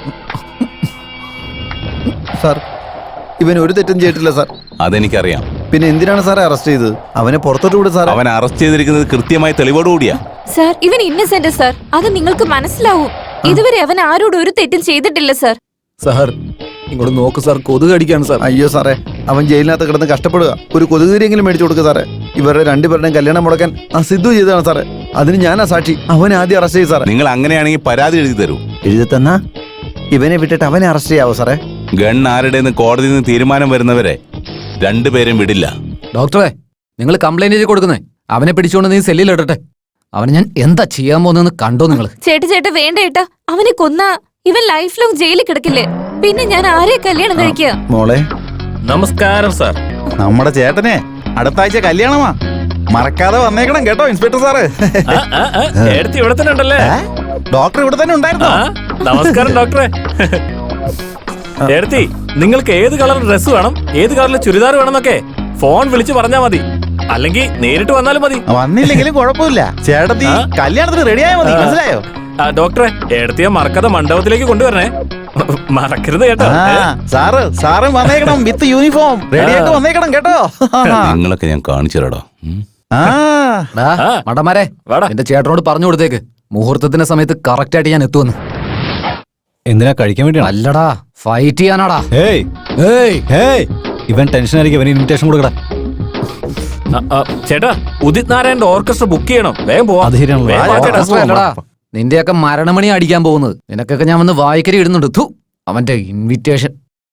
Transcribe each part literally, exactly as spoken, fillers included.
Sir, ഇവൻ ഒരു തെറ്റും ചെയ്തിട്ടില്ല സാർ. അതെനിക്കറിയാം. പിന്നെ എന്തിനാണ് സാറെ അറസ്റ്റ് ചെയ്തത്? അവനെ പുറത്തോട്ട് വിടും സാർ. അവൻ അറസ്റ്റ് ചെയ്തിരിക്കുന്നത് കൃത്യമായ തെളിവോടുകൂടിയാ. സാർ, ഇവൻ ഇന്നസെന്റ് സാർ, അത് നിങ്ങൾക്ക് മനസ്സിലാവും. ഇതുവരെ അവൻ ആരോടും ഒരു തെറ്റും ചെയ്തിട്ടില്ല സാർ. സാർ ഇങ്ങോട്ട് നോക്ക് സാർ, കൊതുക് അടിക്കാണ് സാർ. അയ്യോ സാറേ, അവൻ ജയിലിനകത്ത് കിടന്ന് കഷ്ടപ്പെടുക. ഒരു കൊതുകുതിരിയെങ്കിലും മേടിച്ചു കൊടുക്കുക സാറേ. ഇവരുടെ രണ്ടുപേരുടെയും കല്യാണം മുടക്കാൻ ആ സിദ്ധു ചെയ്തതാണ് സാറേ. അതിന് ഞാനാ സാക്ഷി. അവനെ ആദ്യം അറസ്റ്റ് ചെയ്യും സാറേ. നിങ്ങൾ അങ്ങനെയാണെങ്കിൽ പരാതി എഴുതി തരൂ. എഴുതി തന്നാ ഇവനെ വിട്ടിട്ട് അവനെ അറസ്റ്റ് ചെയ്യാവോ സാറേ? ഗൺ ആരുടെന്ന് കോടതിയിൽ നിന്ന് തീരുമാനം വരുന്നവരെ രണ്ടുപേരും വിടില്ല. ഡോക്ടറെ, നിങ്ങൾ കംപ്ലൈന്റ് ചെയ്ത് കൊടുക്കുന്നേ. അവനെ പിടിച്ചുകൊണ്ട് നീ സെല്ലിൽ ഇടട്ടെ. അവനെ ഞാൻ എന്താ ചെയ്യാൻ പോകുന്നതെന്ന് കണ്ടോ നിങ്ങൾ? ചേട്ട ചേട്ട വേണ്ട ഏട്ടാ, അവനെ കൊന്ന ഇവൻ ലൈഫ് ലോങ് ജയിലിൽ കിടക്കില്ലേ? പിന്നെ ഞാൻ ആരെ കല്യാണം കഴിക്കുക? മോളെ നമസ്കാരം സാർ. നമ്മുടെ ചേട്ടനെ അടുത്ത ആഴ്ച കല്യാണമാ, മറക്കാതെ വന്നേക്കണം കേട്ടോ ഇൻസ്പെക്ടർ സാറ്. എടുത്ത് ഇവിടെ തന്നെ ഉണ്ടല്ലേ? ഡോക്ടർ ഇവിടെ തന്നെ ഉണ്ടായിരുന്നു. നമസ്കാരം ഡോക്ടറെ. എടുത്തി, നിങ്ങൾക്ക് ഏത് കളർ ഡ്രസ് വേണം, ഏത് കളറിൽ ചുരിദാർ വേണമെന്നൊക്കെ ഫോൺ വിളിച്ച് പറഞ്ഞാ മതി, അല്ലെങ്കിൽ നേരിട്ട് വന്നാലും മതി. വന്നില്ലെങ്കിലും കുഴപ്പമില്ല, ചേട്ടത്തി കല്യാണത്തിന് റെഡിയായാൽ മതി. മനസ്സിലായോ? ഡോക്ടറെ, എടുത്തിയ മറക്കാതെ മണ്ഡപത്തിലേക്ക് കൊണ്ടുവരണേ, മറക്കരുത് കേട്ടോ. സാറ് സാറ് വന്നേക്കണം വിത്ത് യൂണിഫോം റെഡിയായിട്ട് വന്നേക്കണം കേട്ടോ. നിങ്ങളൊക്കെ ഞാൻ കാണിച്ചു തരാടോ. മടമാരെ, എന്റെ ചേട്ടനോട് പറഞ്ഞു കൊടുത്തേക്ക് മുഹൂർത്തത്തിന്റെ സമയത്ത് കറക്റ്റ് ആയിട്ട് ഞാൻ എത്തുമെന്ന്. എന്തിനാ കഴിക്കാൻ വേണ്ടിയാണ്? അല്ലടാ, ഫൈറ്റ് ചെയ്യാനാടാ. ഏയ് ഏയ് ഏയ് ഇവൻ ടെൻഷൻ ആയിരിക്കും. ഇവന് ഇൻവിറ്റേഷൻ കൊടുക്കടാ. ചേട്ടാ, ഉദിത് നാരായണന്റെ ഓർക്കസ്ട്ര ബുക്ക് ചെയ്യണം, വേഗം പോവാം. അത് ശരിയാണല്ലോ. നിന്റെയൊക്കെ മരണമണി അടിക്കാൻ പോകുന്നത്. നിനക്കൊക്കെ ഞാൻ വന്ന് വായിക്കരി ഇടുന്നുണ്ട്. ഥു, അവന്റെ ഇൻവിറ്റേഷൻ.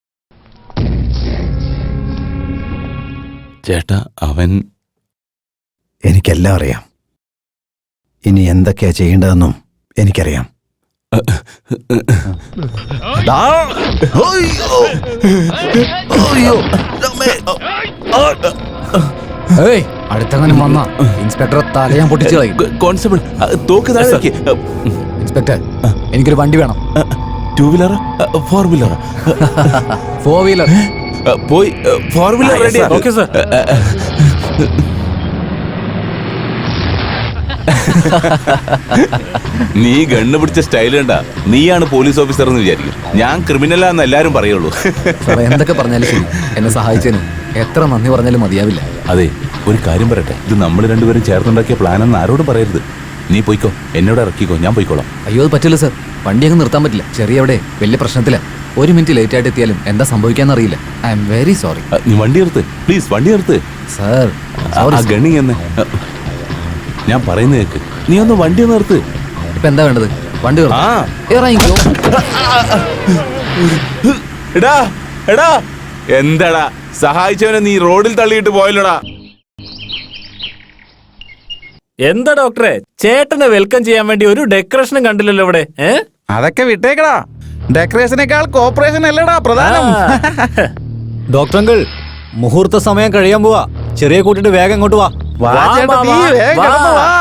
ചേട്ടാ, അവൻ എനിക്കെല്ലാം അറിയാം. ഇനി എന്തൊക്കെയാ ചെയ്യേണ്ടതെന്നും എനിക്കറിയാം. ഏയ്, അടുത്തങ്ങനെ വന്ന ഇൻസ്പെക്ടറെ തല ഞാൻ പൊട്ടിച്ചു കളയും. കോൺസ്റ്റബിൾ, തോക്ക് താഴെ വെക്ക്. ഇൻസ്പെക്ടർ, എനിക്കൊരു വണ്ടി വേണം. Two wheeler, four wheeler? Four wheeler. പോയി four wheeler ready. Okay sir. നീ ഗണ്ണ് പിടിച്ച സ്റ്റൈൽ കണ്ട നീയാണ് പോലീസ് ഓഫീസർ എന്ന് വിചാരിക്കും. ഞാൻ ക്രിമിനലാന്ന് എല്ലാരും പറയുള്ളൂ. എന്തൊക്കെ പറഞ്ഞാലും ശരി, എന്നെ സഹായിച്ചതിന് എത്ര നന്ദി പറഞ്ഞാലും മതിയാവില്ല. അതെ, ഒരു കാര്യം പറയട്ടെ, ഇത് നമ്മൾ രണ്ടുപേരും ചേർന്നുണ്ടാക്കിയ പ്ലാനെന്ന് ആരോടും പറയരുത്. നീ പോയിക്കോ, എന്നോട് ഇറക്കിക്കോ, ഞാൻ പോയിക്കോളാം. അയ്യോ, അത് പറ്റില്ല സാർ. വണ്ടി അങ്ങ് നിർത്താൻ പറ്റില്ല. ചെറിയ അവിടെ വലിയ പ്രശ്നത്തില്ല. ഒരു മിനിറ്റ് ലേറ്റ് ആയിട്ട് എത്തിയാലും എന്താ സംഭവിക്കാന്ന് അറിയില്ല. I am very sorry. നീ വണ്ടി നിർത്ത് പ്ലീസ്, വണ്ടി നിർത്ത് സാർ. ഗണ്ണി എന്ന് ഞാൻ പറയുന്നത് കേക്ക്. നീ ഒന്ന് വണ്ടി നിർത്ത്. ഇപ്പൊ എന്താ വേണ്ടത്? വണ്ടി ഇറങ്ങിക്കോ. എടാ എടാ എന്താടാ സഹായിച്ചവനെ നീ റോഡിൽ തള്ളിയിട്ട് പോയല്ലോടാ. എന്താ ഡോക്ടറെ, ചേട്ടനെ വെൽക്കം ചെയ്യാൻ വേണ്ടി ഒരു ഡെക്കറേഷനും കണ്ടില്ലല്ലോ ഇവിടെ. അതൊക്കെ വിട്ടേക്കടാ, ഡെക്കറേഷനേക്കാൾ കോപ്പറേഷൻ അല്ലടാ പ്രധാനം. ഡോക്ടർ അങ്കിൾ, മുഹൂർത്ത സമയം കഴിയാൻ പോവാ. ചെറിയ കൂട്ടിട്ട് വേഗം ഇങ്ങോട്ട് വാ. വാ ചേട്ടത്തി, വേഗം കിടന്നു വാ.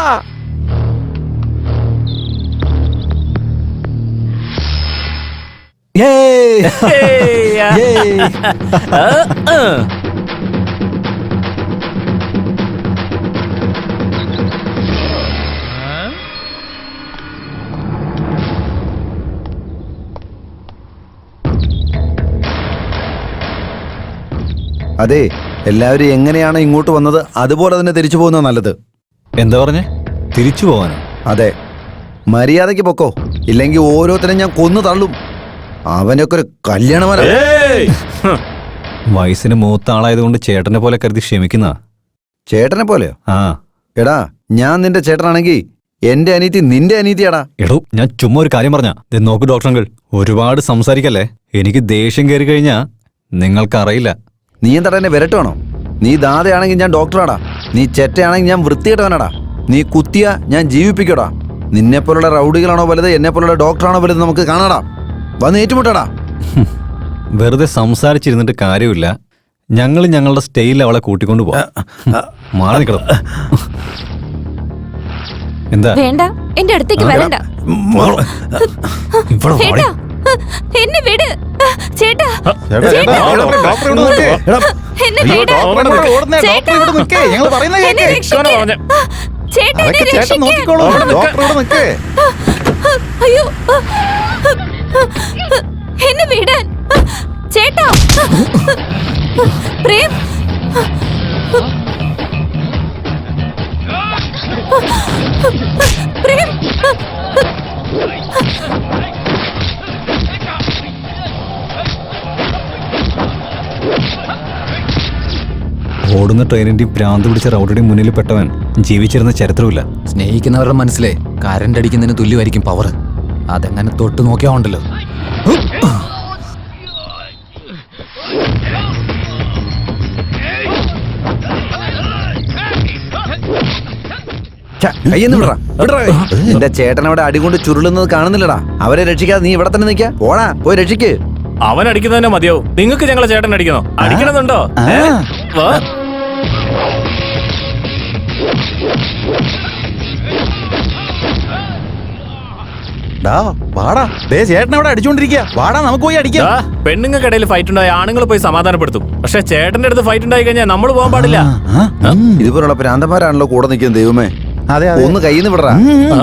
അതെ, എല്ലാവരും എങ്ങനെയാണ് ഇങ്ങോട്ട് വന്നത് അതുപോലെ തന്നെ തിരിച്ചു പോകുന്നത് നല്ലത്. എന്താ പറഞ്ഞേ? തിരിച്ചു പോവാനോ? അതെ, മര്യാദയ്ക്ക് പൊക്കോ, ഇല്ലെങ്കിൽ ഓരോരുത്തരും ഞാൻ കൊന്നു തള്ളും. അവനൊക്കെ ഒരു കല്യാണമല്ല. വയസ്സിന് മൂത്ത ആളായതുകൊണ്ട് ചേട്ടനെ പോലെ കരുതി ക്ഷമിക്കുന്ന. ചേട്ടനെ പോലെയോ? ആ. എടാ, ഞാൻ നിന്റെ ചേട്ടനാണെങ്കിൽ എന്റെ അനീതി നിന്റെ അനീതിയാടാ. എടോ, ഞാൻ ചുമ്മാ ഒരു കാര്യം പറഞ്ഞ. നോക്കൂ ഡോക്ടർ അങ്കിൾ, ഒരുപാട് സംസാരിക്കല്ലേ. എനിക്ക് ദേഷ്യം കയറി കഴിഞ്ഞാ നിങ്ങൾക്കറിയില്ല. നീ എന്താ എന്നെ വിരട്ടുവാണോ? നീ ദാതയാണെങ്കിൽ ഞാൻ ഡോക്ടറാടാ. നീ ചെറ്റയാണെങ്കിൽ ഞാൻ വൃത്തികെട്ടവനാടാ. നീ കുത്തിയ ഞാൻ ജീവിപ്പിക്കടാ. നിന്നെപ്പോലുള്ള റൗഡികളാണോ വലുത്, എന്നെ പോലുള്ള ഡോക്ടറാണോ വലുത്, നമുക്ക് കാണാടാ. വന്ന് ഏറ്റുമുട്ടാടാ. വെറുതെ സംസാരിച്ചിരുന്നിട്ട് കാര്യമില്ല. ഞങ്ങൾ ഞങ്ങളുടെ സ്റ്റൈലിൽ അവളെ കൂട്ടിക്കൊണ്ടു പോവാം. മാറി നിൽക്കണം. എന്താ? വേണ്ട, എന്റെ അടുത്തേക്ക് വരണ്ട. എന്നെ വിട് ചേട്ടാ. എന്നെ വിട് ചേട്ടാ. എന്നെ രക്ഷിക്ക്. ചേട്ടാ, എന്നെ രക്ഷിക്ക്. നോക്കിക്കോളൂ, ഡോക്ടർ ഇവിടെ നിൽക്കേ. അയ്യോ. എന്നെ വിടാൻ ചേട്ടാ. പ്രേം, പ്രേം, ഓടുന്ന ട്രെയിനിന്റെയും ഭ്രാന്ത് പിടിച്ച റൗഡിയുടെയും മുന്നിൽ പെട്ടവൻ ജീവിച്ചിരുന്ന ചരിത്രമില്ല. സ്നേഹിക്കുന്നവരുടെ മനസ്സിലെ കരണ്ട് അടിക്കുന്നതിന് തുല്യമായിരിക്കും പവർ. അതെങ്ങനെ തൊട്ട് നോക്കിയാ ഉണ്ടല്ലോ. കയ്യെന്ന് വിടറാ, വിടറാ കൈ. എന്റെ ചേട്ടൻ അവിടെ അടികൊണ്ട് ചുരുളുന്നത് കാണുന്നില്ലടാ. അവരെ രക്ഷിക്കാതെ നീ ഇവിടെ തന്നെ നിൽക്കാ. പോടാ, പോയി രക്ഷിക്ക്. അവൻ അടിക്കുന്നതന്നെ മതിയാവും. നിങ്ങൾക്ക് ഞങ്ങളെ ചേട്ടൻ അടിക്കണോ? അടിക്കണമെന്നുണ്ടോ? ഏ? വാ. ഡാ വാടാ, ദേ ചേട്ടൻ അവിടെ അടിച്ചോണ്ടിരിക്കുക. വാടാ നമുക്ക് പോയി അടിക്കാം. ദാ, പെണ്ണുങ്ങൾക്കിടയിൽ ഫൈറ്റ് ഉണ്ടായി ആണുങ്ങൾ പോയി സമാധാനപ്പെടുത്തും. പക്ഷെ ചേട്ടന്റെ അടുത്ത് ഫൈറ്റ് ഉണ്ടായി കഴിഞ്ഞാൽ നമ്മൾ പോകാൻ പാടില്ല. ആ, ഉം. ഇതുപോലുള്ള പ്രാന്തന്മാരാണല്ലോ കൂടെ നിൽക്കുന്നത്. ദൈവമേ, അതെ അതെ. ഒന്ന് കയ്യിന്ന് വിടറാ. ആ?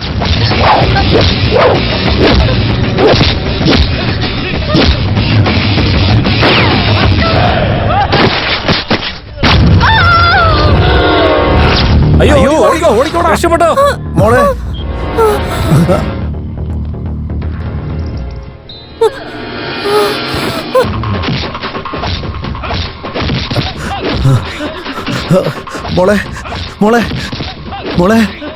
അയ്യോ, അയ്യോ, ഓടിക്കോ, ഓടിക്കോടാ. രക്ഷപ്പെട്ടോ? മോളെ, മോളെ, മോളെ, മോളെ.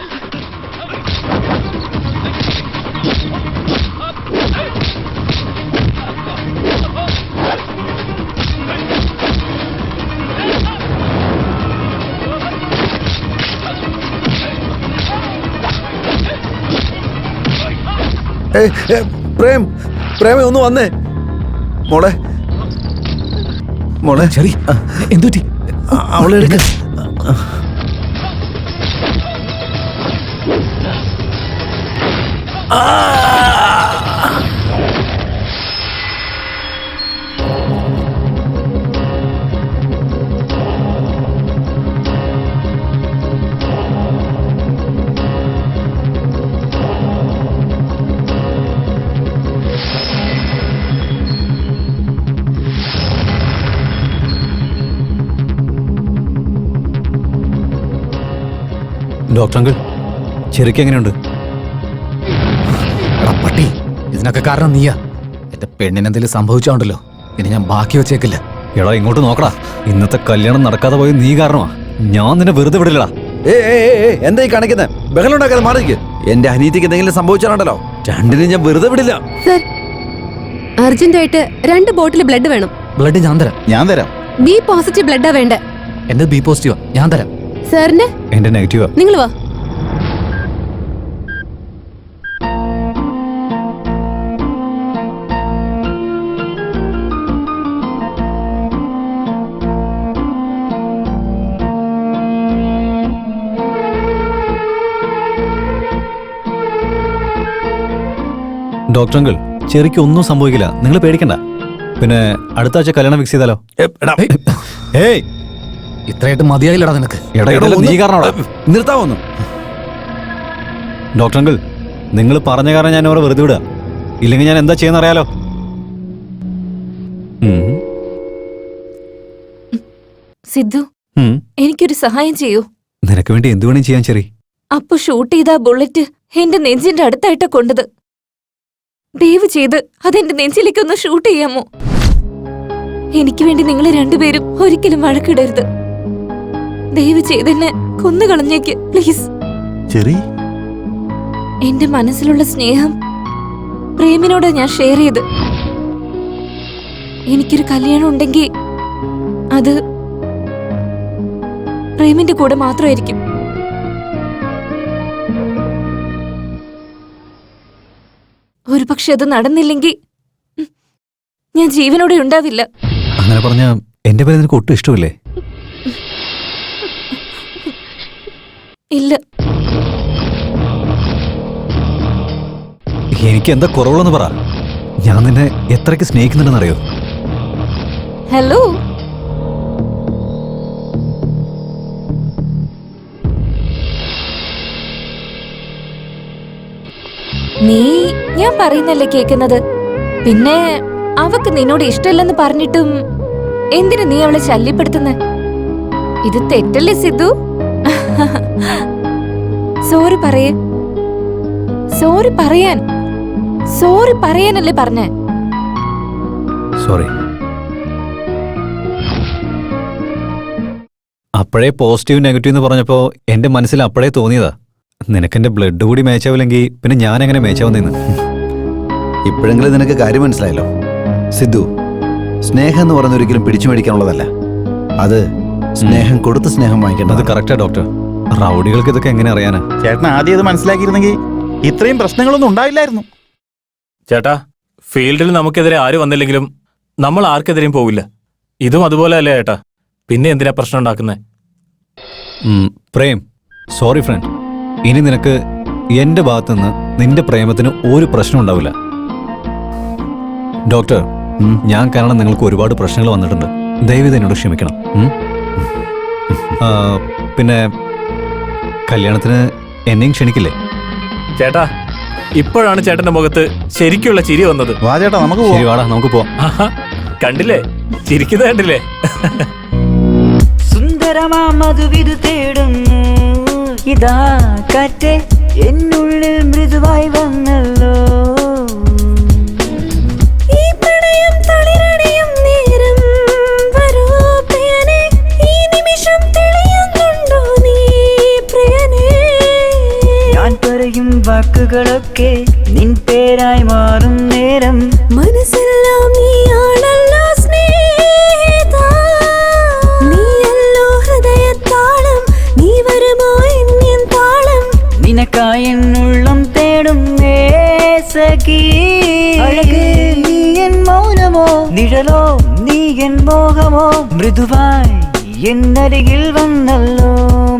ഏയ്, ഏ, പ്രേം, പ്രേമേ ഒന്ന് വന്നേ. മോളെ, മോളെ, ചെറി എന്തുറ്റി? അ- അവളെ എടുക്ക. ഡോക്ടർ അങ്കിൾ, ചെറിക്ക് എങ്ങനെയുണ്ട്? എടാ പട്ടി, ഇതിനൊക്കെ കാരണം നീയാ. എന്റെ പെണ്ണിനെന്തെങ്കിലും സംഭവിച്ചോണ്ടല്ലോ, ഇനി ഞാൻ ബാക്കി വെച്ചേക്കില്ല. എടാ ഇങ്ങോട്ട് നോക്കടാ. ഇന്നത്തെ കല്യാണം നടക്കാതെ പോയി നീ കാരണമാ. ഞാൻ നിന്നെ വെറുതെ വിടില്ലടാ. ഏ എന്താ ഈ കാണിക്കുന്നത്? ബഹളം ഉണ്ടാക്കാതെ മാറിക്ക്. എന്റെ അനീതിക്ക് എന്തെങ്കിലും സംഭവിച്ചാലുണ്ടല്ലോ രണ്ടിനും ഞാൻ വെറുതെ വിടില്ല. സർ, അർജന്റായിട്ട് രണ്ട് ബോട്ടിൽ ബ്ലഡ് വേണം. ബ്ലഡ് ഞാൻ തരാം. ഞാൻ തരാം. ബി പോസിറ്റീവ് ബ്ലഡാ വേണ്ടേ. എന്റെ ബി പോസിറ്റീവാ, ഞാൻ തരാം. സാറിന്റെ എന്റെ നെഗറ്റീവാ. നിങ്ങൾ വാ. ഡോക്ടർ അങ്കിൾ, ചെറിക്ക് ഒന്നും സംഭവിക്കില്ല, നിങ്ങൾ പേടിക്കണ്ട. പിന്നെ അടുത്ത ആഴ്ച കല്യാണം ഫിക്സ് ചെയ്താലോ? ഏ, എടാ, ഏയ് ഇത്രയായിട്ട് മതിയായില്ലടാ നിനക്ക്. എടാ ഇടയില് നീ കാരണമാടാ. നിർത്താവൊന്നു. ഡോക്ടർ അങ്കിൾ, നിങ്ങൾ പറഞ്ഞ കാരണം ഞാൻ അവരെ വെറുതെ വിടുക. ഇല്ലെങ്കിൽ ഞാൻ എന്താ ചെയ്യുന്ന അറിയാലോ. ഉം. സിദ്ധു, ഉം. എനിക്കൊരു സഹായം ചെയ്യൂ. നിനക്ക് വേണ്ടി എന്തു വേണേലും ചെയ്യാൻ ചെറി. അപ്പൊ ഷൂട്ട് ചെയ്ത ആ ബുള്ളറ്റ് എന്റെ നെഞ്ചിന്റെ അടുത്തായിട്ടാ കൊണ്ടത്. ദയവ് ചെയ്ത് അതെന്റെ നെഞ്ചിലേക്ക് ഒന്ന് ഷൂട്ട് ചെയ്യാമോ? എനിക്ക് വേണ്ടി നിങ്ങൾ രണ്ടുപേരും ഒരിക്കലും വഴക്കിടരുത്. ദയവ് ചെയ്ത് എന്നെ കൊന്നുകളഞ്ഞേക്ക് പ്ലീസ്. ചെറി, എന്റെ മനസ്സിലുള്ള സ്നേഹം പ്രേമിനോട് ഞാൻ ഷെയർ ചെയ്ത്. എനിക്കൊരു കല്യാണം ഉണ്ടെങ്കിൽ അത് പ്രേമിന്റെ കൂടെ മാത്രമായിരിക്കും. ഒരു പക്ഷെ അത് നടന്നില്ലെങ്കിൽ ഞാൻ ജീവനോടെ ഉണ്ടാവില്ല. അങ്ങനെ പറഞ്ഞ എന്റെ പേര് നിനക്ക് ഒട്ടും ഇഷ്ടമില്ലേ? ഇല്ല. എനിക്ക് എന്താ കുറവുള്ളെന്ന് പറ. ഞാൻ നിന്നെ എത്രയ്ക്ക് സ്നേഹിക്കുന്നുണ്ടെന്നറിയോ? ഹലോ, നീ ഞാൻ പറയുന്നല്ലേ കേക്കുന്നത്. പിന്നെ അവക്ക് നിന്നോട് ഇഷ്ടമില്ലെന്ന് പറഞ്ഞിട്ടും എന്തിനു നീ അവളെ ശല്യപ്പെടുത്തുന്ന? ഇത് തെറ്റല്ലേ സിദ്ധു? സോറി പറയേ, സോറി പറയാൻ, സോറി പറയാനല്ലേ പറഞ്ഞേ? സോറി. അപ്പോഴേ പോസിറ്റീവ് നെഗറ്റീവ് എന്ന് പറഞ്ഞപ്പോൾ എൻ്റെ മനസ്സിൽ അപ്പോഴേ തോന്നിയതാ, നിനക്കെൻ്റെ ബ്ലഡ് കൂടി മേച്ചാവില്ലെങ്കിൽ പിന്നെ ഞാൻ എങ്ങനെ മേച്ചാവുന്നതെന്ന്. ഇപ്പോഴെങ്കിലും നിനക്ക് കാര്യം മനസ്സിലായല്ലോ. സിദ്ധു, സ്നേഹം എന്ന് പറയുന്ന ഒരിക്കലും പിടിച്ചു മേടിക്കാനുള്ളതല്ല. അത് സ്നേഹം കൊടുത്ത് സ്നേഹം അത് വാങ്ങിക്കേണ്ടത്. Correct doctor. റൗഡികൾക്ക് ഇതൊക്കെ എങ്ങനെ അറിയാനാ? ചേട്ടൻ ആദ്യം ഇത് മനസ്സിലാക്കിയിരുന്നെങ്കിൽ ഇത്രയും പ്രശ്നങ്ങളൊന്നും ഉണ്ടാവില്ലായിരുന്നു. ചേട്ടാ, ഫീൽഡിൽ നമുക്കെതിരെ ആര് വന്നില്ലെങ്കിലും നമ്മൾ ആർക്കെതിരെയും പോവില്ല. ഇതും അതുപോലെ അല്ലേ ചേട്ടാ? പിന്നെ എന്തിനാ പ്രശ്നം ഉണ്ടാക്കുന്നത്? ഉം, പ്രേം, സോറി ഫ്രണ്ട്. ഇനി നിനക്ക് എൻ്റെ ഭാഗത്തുനിന്ന് നിന്റെ പ്രേമത്തിന് ഒരു പ്രശ്നം ഉണ്ടാവില്ല. ഡോക്ടർ, ഉം. ഞാൻ കാരണം നിങ്ങൾക്ക് ഒരുപാട് പ്രശ്നങ്ങൾ വന്നിട്ടുണ്ട്. ദയവ് എന്നോട് ക്ഷമിക്കണം. ഉം? ആ, പിന്നെ കല്യാണത്തിന് എന്നെയും ക്ഷണിക്കില്ലേ? ചേട്ടാ, ഇപ്പോഴാണ് ചേട്ടന്റെ മുഖത്ത് ശരിക്കുള്ള ചിരി വന്നത്. വാ ചേട്ടാ, നമുക്ക് ശരി, പോവാം. വാടാ നമുക്ക് പോവാം. ആഹാ, കണ്ടില്ലേ? ചിരിക്കുന്നത് കണ്ടില്ലേ? സുന്ദരമാ മധുവിധു തേടുന്നു ഇതാ കാറ്റേ എന്നുള്ളിൽ മൃദുവായി വന്നല്ലോ. ഈ പ്രണയം തളിരണിയും നേരം വരൂ പ്രിയനേ, ഈ നിമിഷം തെളിയുന്നുണ്ടോ നീ പ്രിയനേ? ഞാൻ പറയും വാക്കുകളൊക്കെ നിൻ പേരായി മാറും നേരം മനസ്സെല്ലാം നീയാണല്ലോ സ്നേഹിതാ, നീയല്ലോ ഹൃദയത്താളം, നീ വരുമോ എന്നിൻ താളം? നിനക്കായി എന്നുള്ളം തേടും സഖി. അഴകേ നീ എൻ മൗനമോ, നിഴലോ നീ എൻ മോഹമോ, മൃദുവായി എന്നരികിൽ വന്നല്ലോ.